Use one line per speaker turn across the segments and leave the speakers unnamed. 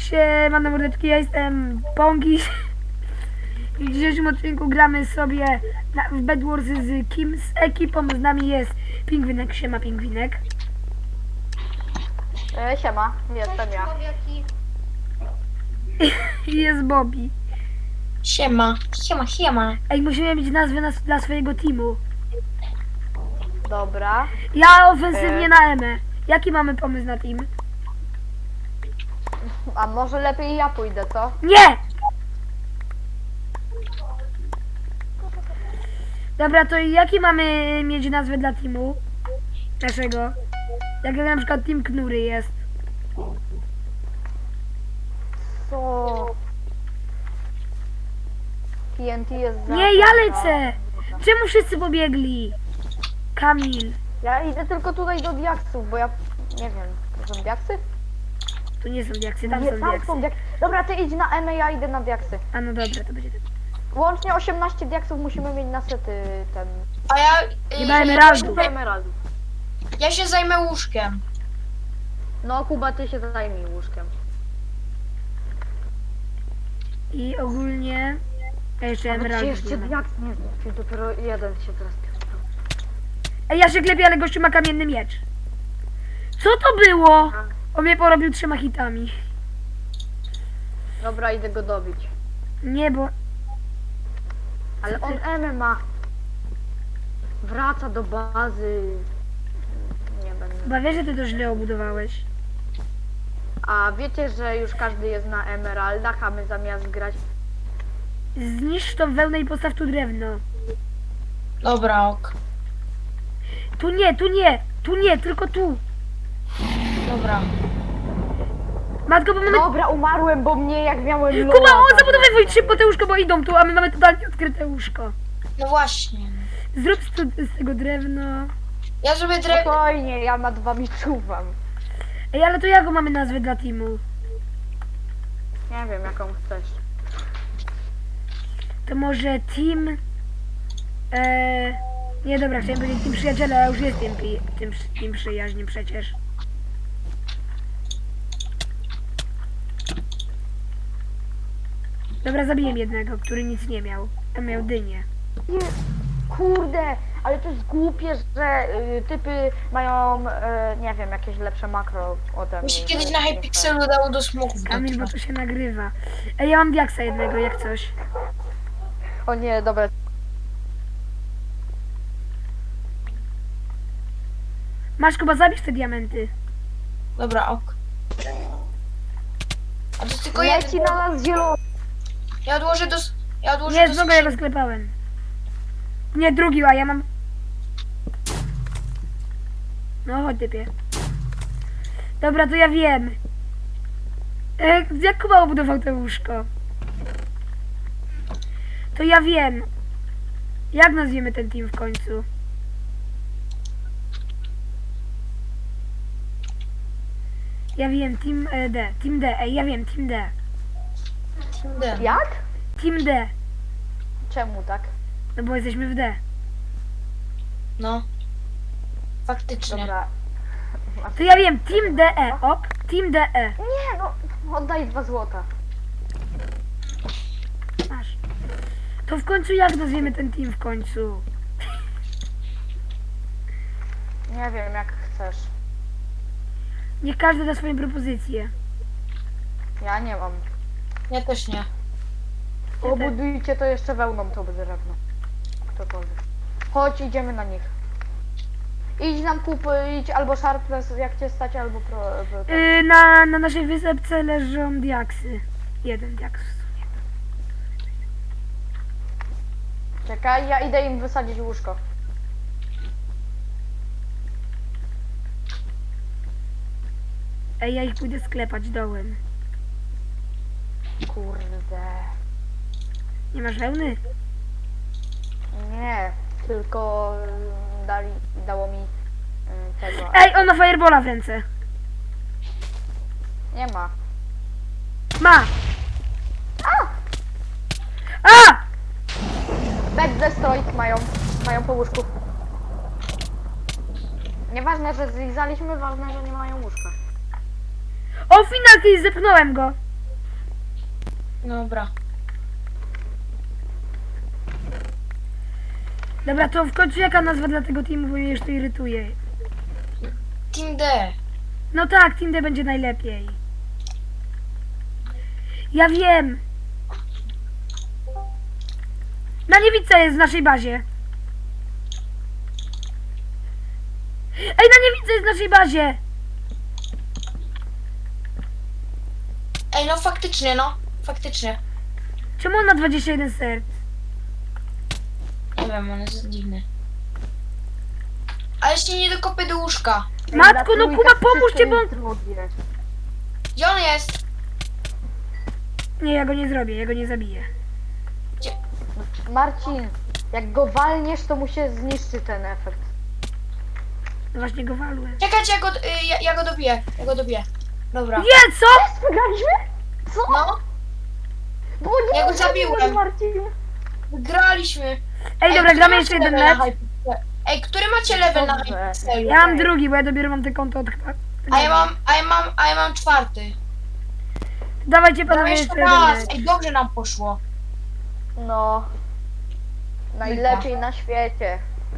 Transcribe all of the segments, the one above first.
Siemano mordeczki, ja jestem Pongi. W dzisiejszym odcinku gramy sobie w Bed Wars z Kim, z ekipą. Z nami jest Pingwinek. Siema Pingwinek.
Siema, jestem ja.
I jest Bobby.
Siema, siema, siema.
Ej, musimy mieć nazwę dla swojego teamu.
Dobra.
Ja ofensywnie na Emę. Jaki mamy pomysł na team?
A może lepiej ja pójdę, co?
Nie! Dobra, to jaki mamy mieć nazwę dla teamu? Naszego. Jak na przykład Team Knury jest.
Co? TNT jest za...
Nie, ja lecę! Czemu wszyscy pobiegli? Kamil.
Ja idę tylko tutaj do diaksów, bo ja... Nie wiem, to są diaksy?
Tu nie są diaksy, tam
Nie,
są
tam
diaksy.
są diaksy. Dobra, ty idź na Emę, ja idę na diaksy.
A no dobra, to będzie tak.
Łącznie 18 diaksów musimy mieć na sety ten...
A ja...
Nie ma emeraldów.
Do emeraldów.
Ja się zajmę łóżkiem.
No Kuba, ty się zajmij łóżkiem.
I ogólnie... A jeszcze
Ale
emeraldów
jeszcze
nie ma.
diaks nie znam. Czyli dopiero jeden się teraz...
Ej, ja się klepię, ale gościu ma kamienny miecz. Co to było? On mnie porobił 3 hitami.
Dobra, idę go dobić.
Nie, bo...
Ale on Emę ma. Wraca do bazy. Nie będę.
Chyba wiesz, że ty to źle obudowałeś.
A wiecie, że już każdy jest na emeraldach, a my zamiast grać...
Zniszcz tą wełnę i postaw tu drewno.
Dobra, ok.
Tu nie, tu nie, tu nie, tylko tu.
Dobra.
Matko, bo mamy...
Dobra, umarłem, bo mnie jak miałem loa...
Kuba, on zabudowywuj 3 po te łóżko, bo idą tu, a my mamy totalnie odkryte łóżko.
No właśnie.
Zrób z tego drewno.
Ja zrobię drewno.
Spokojnie, ja nad wami czuwam.
Ej, ale to jaką mamy nazwę dla teamu?
Nie wiem, jaką chcesz.
To może team... Nie, dobra, chciałem powiedzieć team przyjaciela, ale już jest team przyjaźni przecież. Dobra, zabiję jednego, który nic nie miał. A miał dynię.
Nie, kurde, ale to jest głupie, że typy mają, nie wiem, jakieś lepsze makro ode mnie.
Mi się kiedyś
że
na
nie
Hypixelu dało do smoków
Kamil, bo
dotrwać.
to się nagrywa. Ej, ja mam diaksa jednego, jak coś.
fair. O nie, dobra.
Masz, Kuba, zabierz te diamenty.
Dobra, ok. A to tylko
Leci
jeden.
na nas zielony.
Ja odłożę do... Ja odłożę
Nie,
do
znowu ja go
skrzyni.
sklepałem. Nie, drugi, a ja mam... No, chodź typie. Dobra, to ja wiem. Jak Kuba obudował to łóżko? To ja wiem. Jak nazwiemy ten team w końcu? Ja wiem, Team D. Team D, ej, ja wiem, Team D.
Team D.
Jak?
Team D.
Czemu tak?
No bo jesteśmy w D.
No. Faktycznie.
Dobra.
To ja wiem, Team DE, ok? Team DE.
Nie, no, oddaj 2 złota.
Masz. To w końcu jak nazwiemy ten team w końcu?
Nie wiem, jak chcesz.
Niech każdy da swoją propozycję.
Ja nie mam.
Ja też nie.
Obudujcie to jeszcze wełną to drewno. Ktokolwiek. Chodź, idziemy na nich. Idź nam kupić albo Sharpless jak cię stać, albo
Na naszej wysepce leżą diaksy. Jeden diaks.
Czekaj, ja idę im wysadzić łóżko.
Ej, ja ich pójdę sklepać dołem.
Kurde.
Nie masz wełny?
Nie, tylko dało mi tego.
Ej, on ma firebola w ręce.
Nie ma.
Ma! A!
Bed Destroyed mają po łóżku. Nieważne, że zlizaliśmy, ważne, że nie mają łóżka.
O, finalki, zepchnąłem go.
Dobra.
Dobra, to w końcu jaka nazwa dla tego teamu, bo mnie już to irytuje.
Team D.
No tak, Team D będzie najlepiej. Ja wiem. Na niewidce jest w naszej bazie. Ej, na niewidce jest w naszej bazie.
Ej, no faktycznie, no. Faktycznie.
Czemu on ma 21 serc?
Nie wiem, on jest dziwny. Ale się nie dokopy do łóżka.
Matko, no Kuba, pomóżcie, bo on...
Drugie.
Gdzie on jest?
Nie, ja go nie zrobię, ja go nie zabiję.
Marcin, jak go walniesz, to mu się zniszczy ten efekt.
No właśnie go walłem.
Czekajcie, ja go dobiję. Ja go dobiję. Dobra.
Nie, co?
Wygraliśmy? Co?
No,
Bo nie
Ja go
zabiłeś,
zabiłem.
Marcin.
wygraliśmy.
Ej, dobra,
który
gramy
macie
jeszcze jeden
level na
mecz.
Hypixelu? Ej, który macie level na
Dobrze.
Hypixelu?
Ja mam drugi, bo ja dopiero mam te konto od...
A ja mam czwarty.
Dawajcie
Dawaj
panowie
jeszcze
jeszcze jeden
raz.
mecz.
Ej, dobrze nam poszło.
No. Najlepiej na świecie.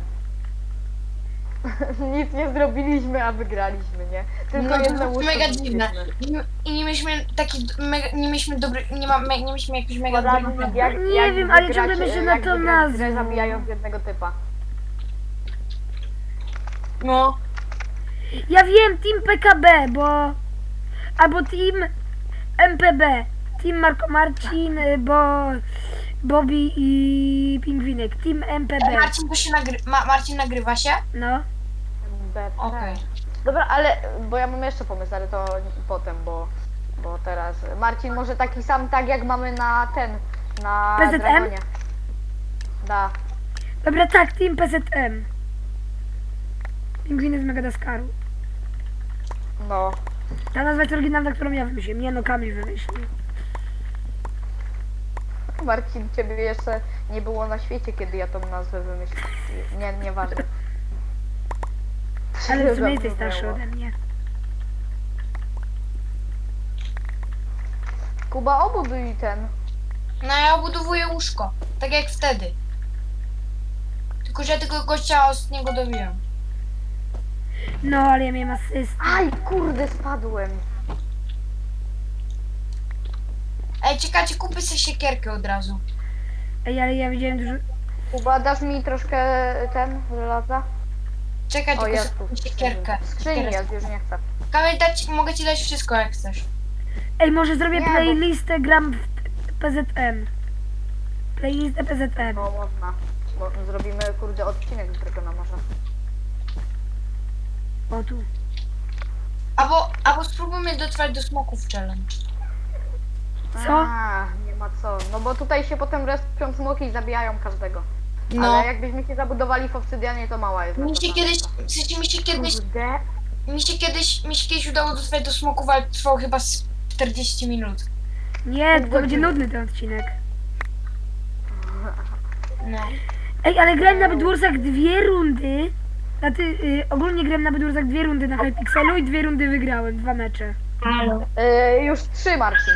Nic nie zrobiliśmy, a wygraliśmy, nie? Tylko
No, to
jedno
jest
łóżko
mega dziwne.
zniszczyliśmy.
I nie mieliśmy taki mega, nie mieliśmy dobry, nie mieliśmy jakiś mega dobry.
Poradnik, jak,
Nie
jak
wiem, ale
wygrać,
ciągle myślę na
jak
tą
wygrać grę,
nazwę.
zabijając jednego typa.
No.
Ja wiem, Team PKB, bo... Albo Team MPB. Team Marco Marcin, bo... Bobby i Pingwinek. Team MPB.
Marcin, to się Marcin nagrywa się?
No.
BP.
Okej.
Dobra, ale, bo ja mam jeszcze pomysł, ale to potem, bo teraz... Marcin, może taki sam, tak jak mamy na na
PZM?
Dragonie. Da.
Dobra, tak, Team PZM. Pingwiny z Madagaskaru.
No.
Ta nazwa jest oryginalna, którą ja wymyśliłem. Nie no, Kamil wymyślił.
Marcin, ciebie jeszcze nie było na świecie, kiedy ja tą nazwę wymyśliłem. Nie, nieważne.
Ale w sumie jesteś
Zapomniało.
starszy ode mnie.
Kuba, obuduj ten.
No ja obudowuję łóżko. Tak jak wtedy. Tylko, że ja tego gościa z niego dobiłem.
No, ale ja miałem asystę.
Aj, kurde, spadłem.
Ej, czekajcie, kupię sobie siekierkę od razu.
Ej, ale ja widziałem dużo...
Kuba, dasz mi troszkę żelaza?
Czekaj,
O,
tylko
jest
sobie
tu.
kupię siekierkę.
W skrzyni jest, już nie chcę.
Kamil, mogę ci dać wszystko jak chcesz.
Ej, może zrobię
Nie, bo-
playlistę, gram w PZM. Playlistę PZM.
No, można. Bo zrobimy, kurde, odcinek z Dragona może.
O tu.
Albo spróbujmy dotrwać do smoków challenge.
Co?
A, nie ma co. No bo tutaj się potem respią smoki i zabijają każdego.
No.
Ale jakbyśmy się zabudowali w obsydianie, to mała jest.
Mi
nasza
się
szansa.
kiedyś, w sensie
Kurde.
mi się kiedyś udało dotrwać do smoków, ale trwało chyba z 40 minut.
Nie, to
Godziny.
będzie nudny ten odcinek.
No.
Ej, ale grałem na Bedwarsach 2 rundy. Znaczy, ogólnie grałem na Bedwarsach 2 rundy na Hypixelu i 2 rundy wygrałem, 2 mecze.
Już 3, Marcin.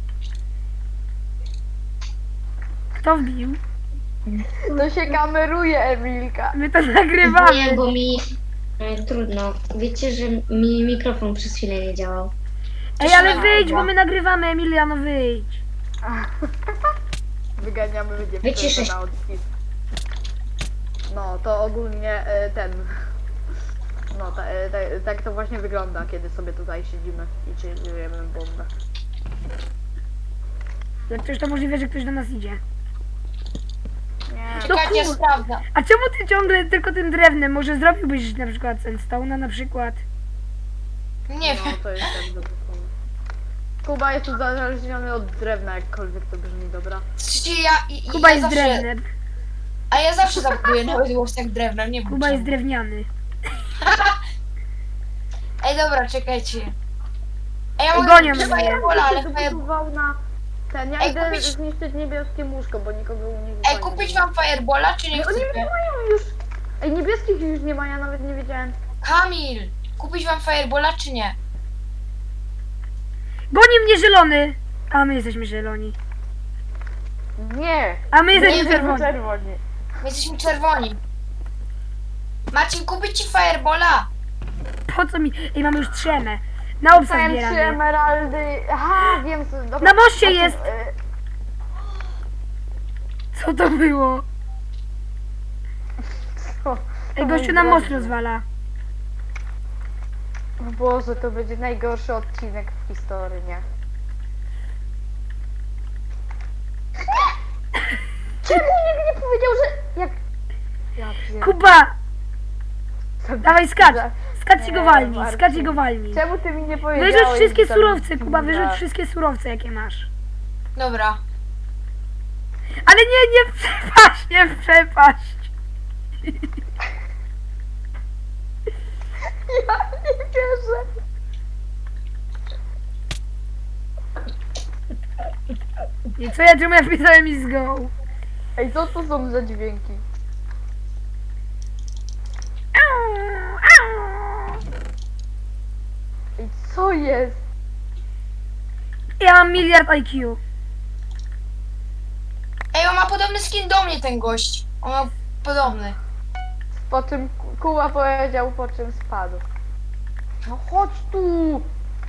Kto wbił?
To się kameruje, Emilka.
My to nagrywamy.
Nie, bo mi trudno. Wiecie, że mi mikrofon przez chwilę nie działał.
Ej, ale wyjdź, bo my nagrywamy, Emiliano, wyjdź.
Wyganiamy
Wyciszę
dziewczynę
się.
na odcisk. No, to ogólnie ten... No, tak to właśnie wygląda, kiedy sobie tutaj siedzimy i czujemy bombę.
Jak coś to możliwe, że ktoś do nas idzie.
Nie,
Czekajcie, ja
kur-
sprawdzę.
A czemu ty ciągle tylko tym drewnem? Może zrobiłbyś na przykład sandstone'a na przykład?
Nie
no,
wiem.
to jest tak dobry pomysł. Kuba jest uzależniony od drewna, jakkolwiek to brzmi, dobra?
W sensie
Kuba
ja
jest
zawsze,
drewnem.
A ja zawsze zabuduję nawet łostek drewnem, nie wiem
Kuba jest
czemu.
drewniany.
Ej, dobra, czekajcie. Ej, ja
Ej,
mogę
gonią
chyba
mnie.
Firebola, ale
Zabudował na ten, ja
Ej,
idę
kupić-
zniszczyć niebieskie łóżko, bo nikogo u nich
Ej, kupić wam Firebola, czy nie
Oni nie
chcecie?
mają już. Ej, niebieskich już nie ma, ja nawet nie wiedziałem.
Kamil, kupić wam Firebola, czy nie?
Goni mnie zielony! A my jesteśmy zieloni.
Nie!
A my
Nie,
jesteśmy czerwoni.
czerwoni.
My jesteśmy czerwoni. Marcin, kupić ci Firebola.
Po co mi? Ej, mamy już 3 emy. Na obsa
Dostałem 3
zbieramy.
emeraldy. Aha, wiem co. Dobra.
Na moście
Marcin,
jest. Co to było?
co?
Ej, gościu nam most rozwala.
O Boże, to będzie najgorszy odcinek w historii, nie? Czemu nikt nie powiedział, że... Jak... Ja pierdolę.
Kuba! Dawaj skacz!
Za-
Skacz i go
Nie,
walnij,
Marcin.
skacz i go walnij.
Czemu ty mi nie powiedziałeś?
Wyrzuć wszystkie
że tam
surowce,
jest
Kuba,
pizza?
wyrzuć wszystkie surowce, jakie masz.
Dobra.
Ale nie przepaść, nie przepaść.
Ja nie wierzę.
I co ja, czemu ja wpisałem is go?
Ej, co to są za dźwięki?
Au, au.
Ej, co jest?
Ja mam miliard IQ.
Ej, on ma podobny skin do mnie, ten gość. On ma podobny.
Po czym Kuba powiedział, po czym spadł. No chodź tu!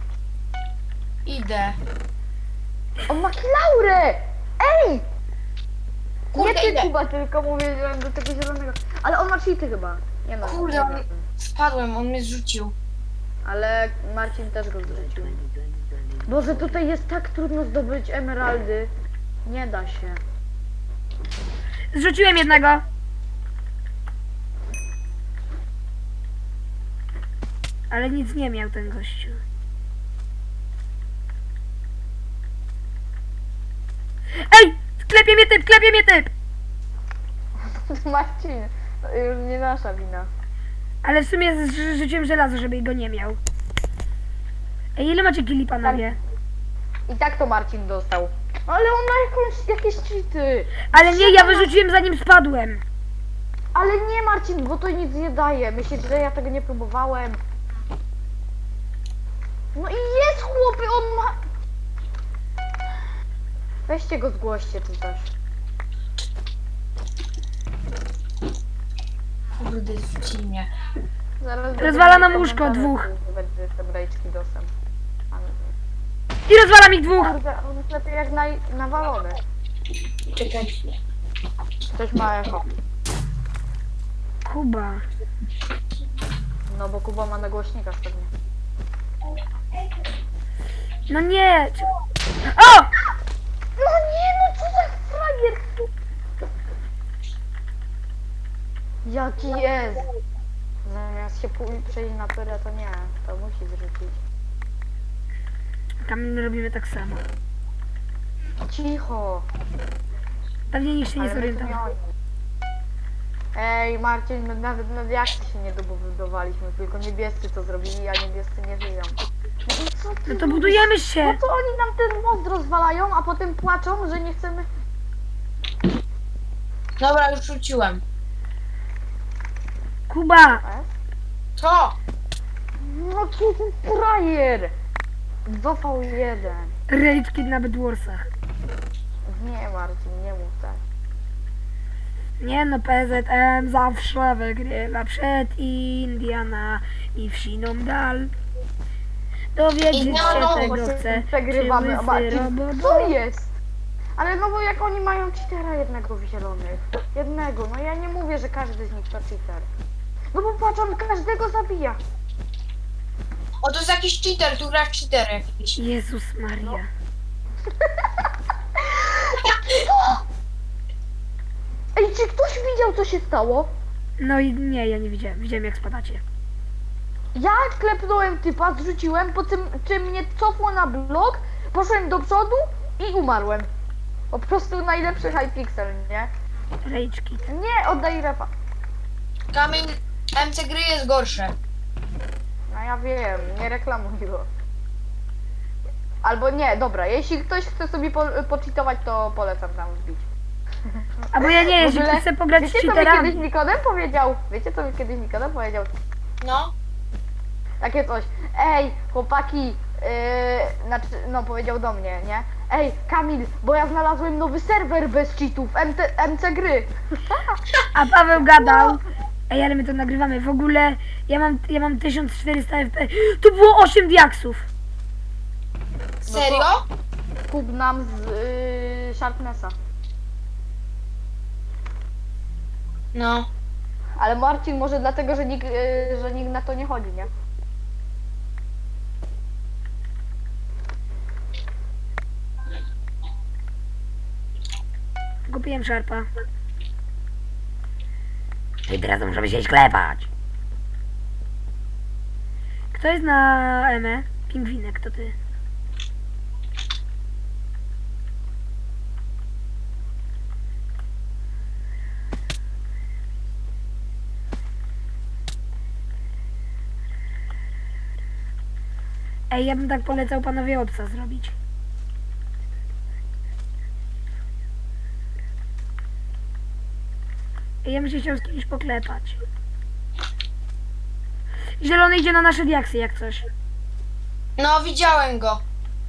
Idę.
On ma kilaurę! Ej!
Kurde,
nie ty
idę.
Kuba, tylko mówiłem do tego zielonego. Ale on ma cheaty chyba. Nie no.
Kurde,
nie
on...
wiem.
Spadłem, on mnie zrzucił.
Ale Marcin też go zrzucił. Boże, tutaj jest tak trudno zdobyć emeraldy. Nie da się.
Zrzuciłem jednego. Ale nic nie miał ten gościu. Ej! Klepie mnie typ, klepie mnie typ!
Marcin, to już nie nasza wina.
Ale w sumie rzuciłem żelazo, żeby go nie miał. Ej, ile macie killi, panowie?
I tak to Marcin dostał. Ale on ma jakieś cheaty.
Ale nie, ja wyrzuciłem zanim spadłem.
Ale nie Marcin, bo to nic nie daje. Myślisz, że ja tego nie próbowałem? No i jest chłopy, on ma... Weźcie go zgłoście czy coś.
Kurde, zrzucili mnie.
Zaraz
Rozwala nam
będę
łóżko
komentarze,
dwóch.
że Będzie jestem rajczki dosem.
I rozwalam ich dwóch.
Kurde, on jest lepiej jak nawalony.
Czekaj.
Ktoś ma echo.
Kuba.
No bo Kuba ma na głośnikach pewnie.
No nie. O!
No nie, no co za frajer tu. Jaki jest? Zamiast się przejść na pyrę, to nie. To musi zrzucić.
Tam robimy tak samo.
Cicho.
Pewnie nikt się nie
Ale my tu nie
zorientował.
oni. Ej Marcin, my nawet na reakcji się nie dobudowaliśmy, tylko niebiescy to zrobili, a niebiescy nie żyją. No i co ty
No to
robisz?
budujemy się.
Po co oni nam ten most rozwalają, a potem płaczą, że nie chcemy...
Dobra, już rzuciłem.
Kuba.
E?
Co?
No co ten frajer? 2v1.
Rage Kid na Bedwarsach.
Nie Marcin, nie mów tak.
Nie no, PZM zawsze wygrywa przed Indiana i wsiną dal. Dowiedzieć
Indianą,
się tego
Właśnie
chce.
Przegrywamy.
Czy
O,
łysy
Marcin,
robot-
co jest? Ale no bo jak oni mają cheatera jednego w zielonych. Jednego, no ja nie mówię, że każdy z nich to cheater. No bo patrz, on każdego zabija.
O, to jest jakiś cheater, tu gra w cheater jakiś.
Jezus Maria.
Ej, czy ktoś widział, co się stało?
No i nie, ja nie widziałem. Widziałem jak spadacie.
Ja klepnąłem typa, zrzuciłem, po czym mnie cofło na blok, poszedłem do przodu i umarłem. Po prostu najlepszy Hypixel, nie?
Rage Kid.
Nie, oddaj refa.
Kamień MC gry jest gorsze.
No ja wiem, nie reklamuj go. Albo nie, dobra, jeśli ktoś chce sobie pocheatować, to polecam tam wbić.
Albo ja nie,
W
jeśli
ogóle,
chcę pograć z
wiecie co mi
cheaterami.
kiedyś Nikodem powiedział? Wiecie co mi kiedyś Nikodem powiedział?
No.
Takie coś. Ej, chłopaki, Znaczy, no powiedział do mnie, nie? Ej, Kamil, bo ja znalazłem nowy serwer bez cheatów, MC Gry.
A Paweł gadał. Ej, ale my to nagrywamy. W ogóle ja mam 1400 FPS. Tu było 8 diaksów.
Serio?
Kup nam z Sharpnessa.
No.
Ale Marcin może dlatego, że nikt na to nie chodzi, nie?
Kupiłem szarpa. I teraz możemy się sklepać. Kto jest na Emę? Pingwinek, to ty. Ej, ja bym tak polecał panowie obca zrobić. Ej, ja bym się chciał z kimś poklepać. Zielony idzie na nasze diaksy jak coś.
No, widziałem go.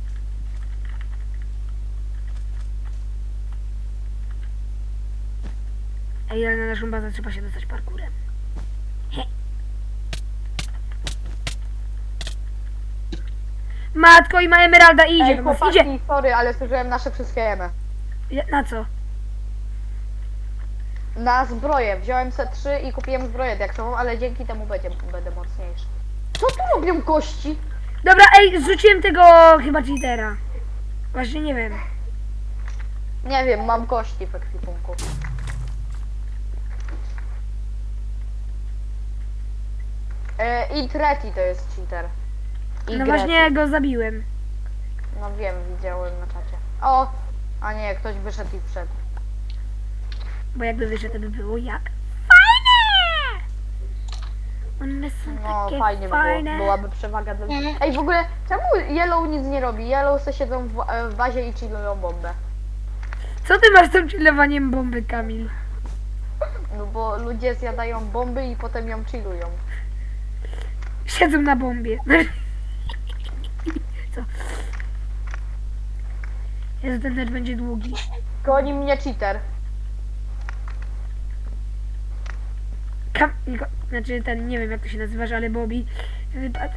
Ej, ale na naszą bazę trzeba się dostać parkurem. He. Matko, i ma emeralda i idzie
Ej,
do nas,
chłopaki,
idzie.
sorry, ale zużyłem nasze wszystkie jemy.
Na co?
Na zbroję. Wziąłem se 3 i kupiłem zbroję diaksową, ale dzięki temu będę mocniejszy. Co tu robią kości?
Dobra, ej, zrzuciłem tego chyba cheatera. Właśnie nie wiem.
Nie wiem, mam kości w ekwipunku. I Treti to jest cheater. I
No
Greti.
właśnie go zabiłem.
No wiem, widziałem na czacie. O! A nie, ktoś wyszedł i wszedł.
Bo jakby wyszedł, to by było jak? Fajne! One są
No
takie
fajnie by
fajne.
było, byłaby przewaga dla...
Mhm.
Ej, w ogóle, czemu Yellow nic nie robi? Yellow se siedzą w bazie i chillują bombę.
Co ty masz z tym chillowaniem bomby, Kamil?
No bo ludzie zjadają bomby i potem ją chillują.
Siedzą na bombie. Co? Jezu, ten mecz będzie długi.
Goni mnie cheater.
Znaczy ten, nie wiem jak to się nazywasz, ale Bobby wypadł.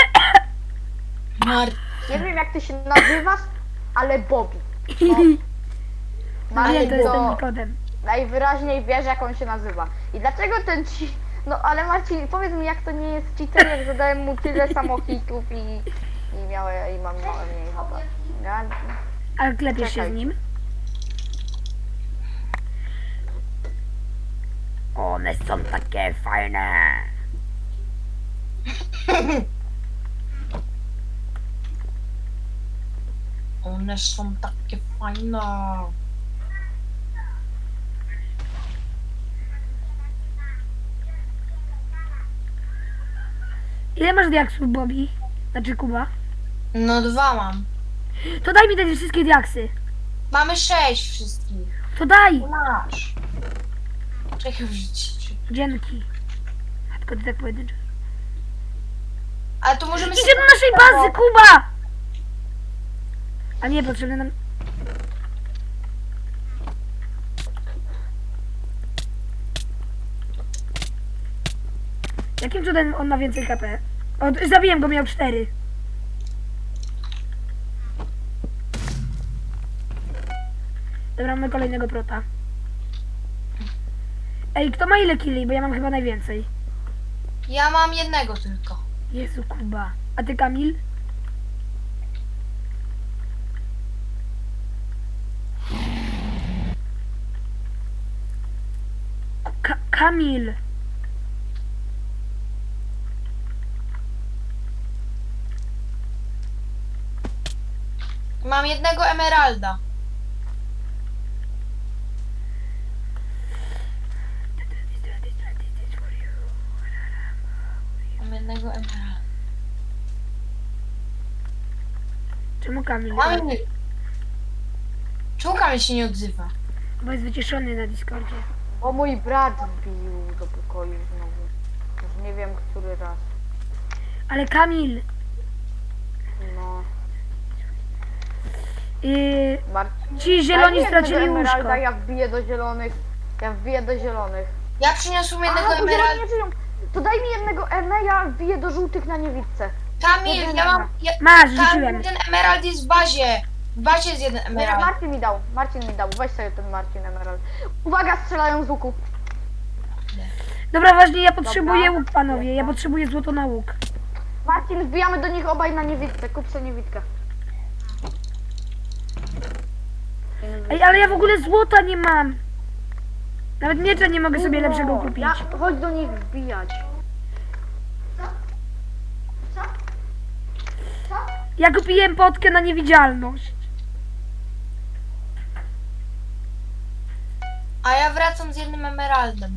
Nie wiem jak ty się nazywasz, ale Bobby.
No nie, to jest ten
to
Nikodem.
najwyraźniej wiesz jak on się nazywa. I dlaczego ten ci... No ale Marcin, powiedz mi jak to nie jest cheater, jak zadałem mu tyle samochitów i mam małe mniej HP. Ja...
Ale klepiesz się
Czekaj.
z nim? One są takie fajne.
One są takie fajne.
Ile masz diaksów, Bobby? Znaczy Kuba?
No 2 mam.
To daj mi te wszystkie diaksy.
Mamy 6 wszystkich.
To daj!
Masz. Czekaj, wrzucić.
Dzięki. A tylko ty tak pojedynczo.
Ale to możemy
Idzie do naszej bazy, Kuba! A nie, potrzebne nam... Jakim cudem on ma więcej KP? O, zabiłem go, miał 4. Dobra, mamy kolejnego prota. Ej, kto ma ile killi? Bo ja mam chyba najwięcej.
Ja mam jednego tylko.
Jezu, Kuba. A ty, Kamil? Kamil!
Mam jednego emeralda. Mam jednego emeralda.
Czemu Kamil?
Kamil. Czemu Kamil się nie odzywa?
Bo jest wyciszony na Discordzie.
Bo mój brat wbił do pokoju znowu. Już nie wiem który raz.
Ale Kamil!
No. Marcin.
Ci zieloni
Daj mi jednego
stracili
emeralda,
łóżko.
ja wbiję do zielonych. Ja wbiję do zielonych.
Ja przyniosłem jednego
Aha, to zieloni
emeralda.
nie żyją. To daj mi jednego ja wbiję do żółtych na niewidce.
Kamil,
Jeden
ja mam...
emerald.
Masz,
Kamil,
rzuciłem.
ten emerald jest w bazie. W bazie jest jeden
Nie,
emerald.
Marcin mi dał. Weź sobie ten Marcin emerald. Uwaga, strzelają z łuku.
Dobra, ważnie, ja potrzebuję
Dobra.
łuk, panowie. Ja potrzebuję złoto na łuk.
Marcin, wbijamy do nich obaj na niewidce. Kup sobie niewidkę.
Ej, ale ja w ogóle złota nie mam. Nawet miecza nie mogę sobie lepszego kupić.
Chodź do nich wbijać.
Ja kupiłem potkę na niewidzialność.
A ja wracam z jednym emeraldem.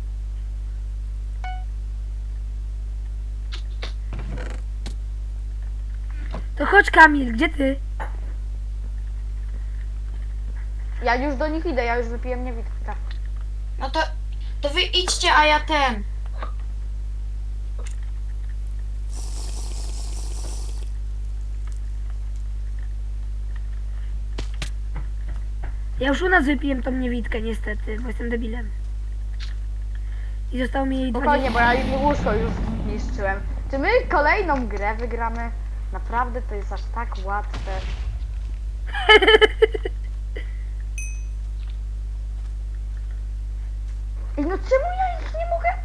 To chodź, Kamil, gdzie ty?
Ja już do nich idę, ja już wypiłem niewidkę.
No to wy idźcie, a ja ten.
Ja już u nas wypiłem tą niewidkę, niestety, bo jestem debilem. I zostało mi jej
Spokojnie,
20.
bo ja im łóżko już zniszczyłem. Czy my kolejną grę wygramy? Naprawdę to jest aż tak łatwe. Ej, no czemu ja ich nie mogę?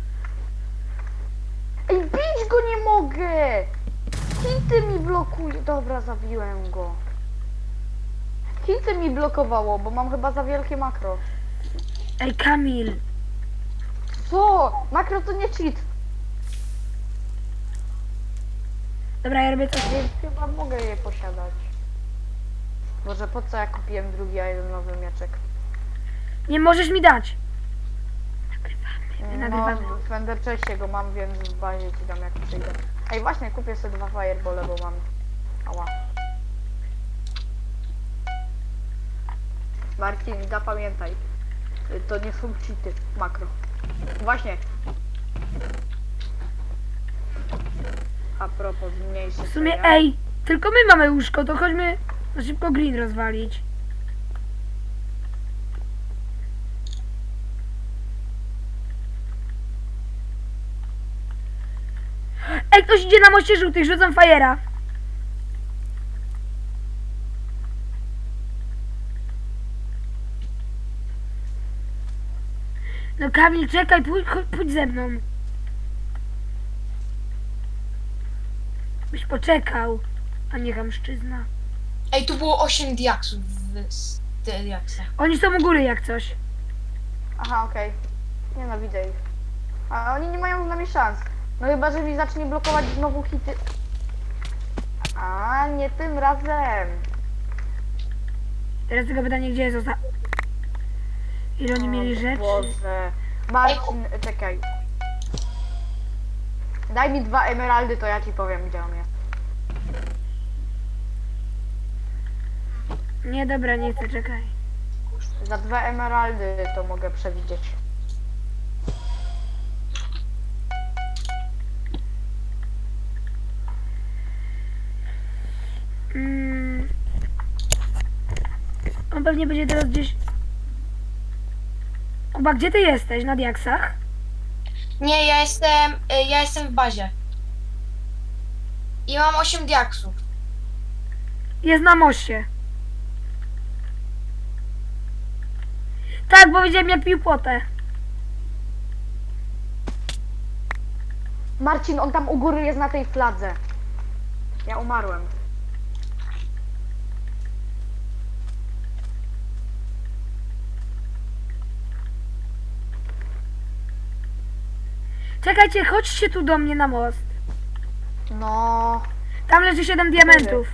Ej, bić go nie mogę! Hity mi blokuje. Dobra, zabiłem go. Hity mi blokowało, bo mam chyba za wielkie makro.
Ej, Kamil.
Co? Makro to nie cheat,
Dobra, ja robię coś.
więc chyba mogę je posiadać. Boże, po co ja kupiłem drugi nowy mieczek?
Nie możesz mi dać.
No,
Nagrywamy.
w Ender Chestie go mam, więc w bazie ci dam jak przyjdę. Ej, właśnie, kupię sobie 2 firebole, bo mam... Ała. Marcin, zapamiętaj. To nie są cheaty, makro. Właśnie. A propos, zmniejszy
W sumie, ej, tylko my mamy łóżko, to chodźmy na szybko green rozwalić. Ej, ktoś idzie na moście żółtych, rzucam fajera. No Kamil, czekaj, pójdź ze mną. Byś poczekał, a nie chamszczyzna.
Ej, tu było 8 diaksów w diaksach.
Oni są u góry jak coś.
Aha, okej. Nienawidzę ich. A oni nie mają z nami szans. No chyba, że mi zacznie blokować znowu hity. A nie tym razem.
Teraz tylko pytanie, gdzie jest ile oni mieli
O
rzeczy?
Boże. Marcin, czekaj. Daj mi 2 emeraldy, to ja ci powiem, gdzie on jest.
Nie, dobra, nie chcę, czekaj.
Za 2 emeraldy to mogę przewidzieć.
On pewnie będzie teraz gdzieś... Oba, gdzie ty jesteś? Na diaksach?
Nie, ja jestem w bazie. I mam 8 diaksów.
Jest na moście. Tak, bo widziałem jak pił potę.
Marcin, on tam u góry jest na tej fladze. Ja umarłem.
Czekajcie, chodźcie tu do mnie na most.
No...
Tam leży 7 diamentów.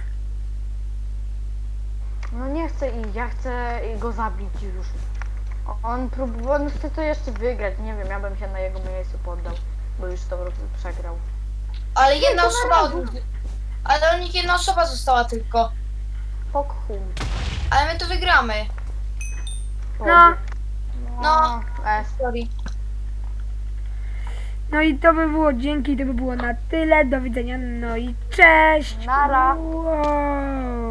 No nie chcę iść, ja chcę go zabić już. On chce to jeszcze wygrać, nie wiem, ja bym się na jego miejscu poddał, bo już to przegrał.
Ale jedna
to
osoba
na
od
razu.
nich... Ale od nich jedna osoba została tylko.
Pokhum.
Ale my to wygramy.
No.
No.
Sorry.
No i to by było, dzięki, to by było na tyle. Do widzenia, no i cześć!
Nara.
Wow.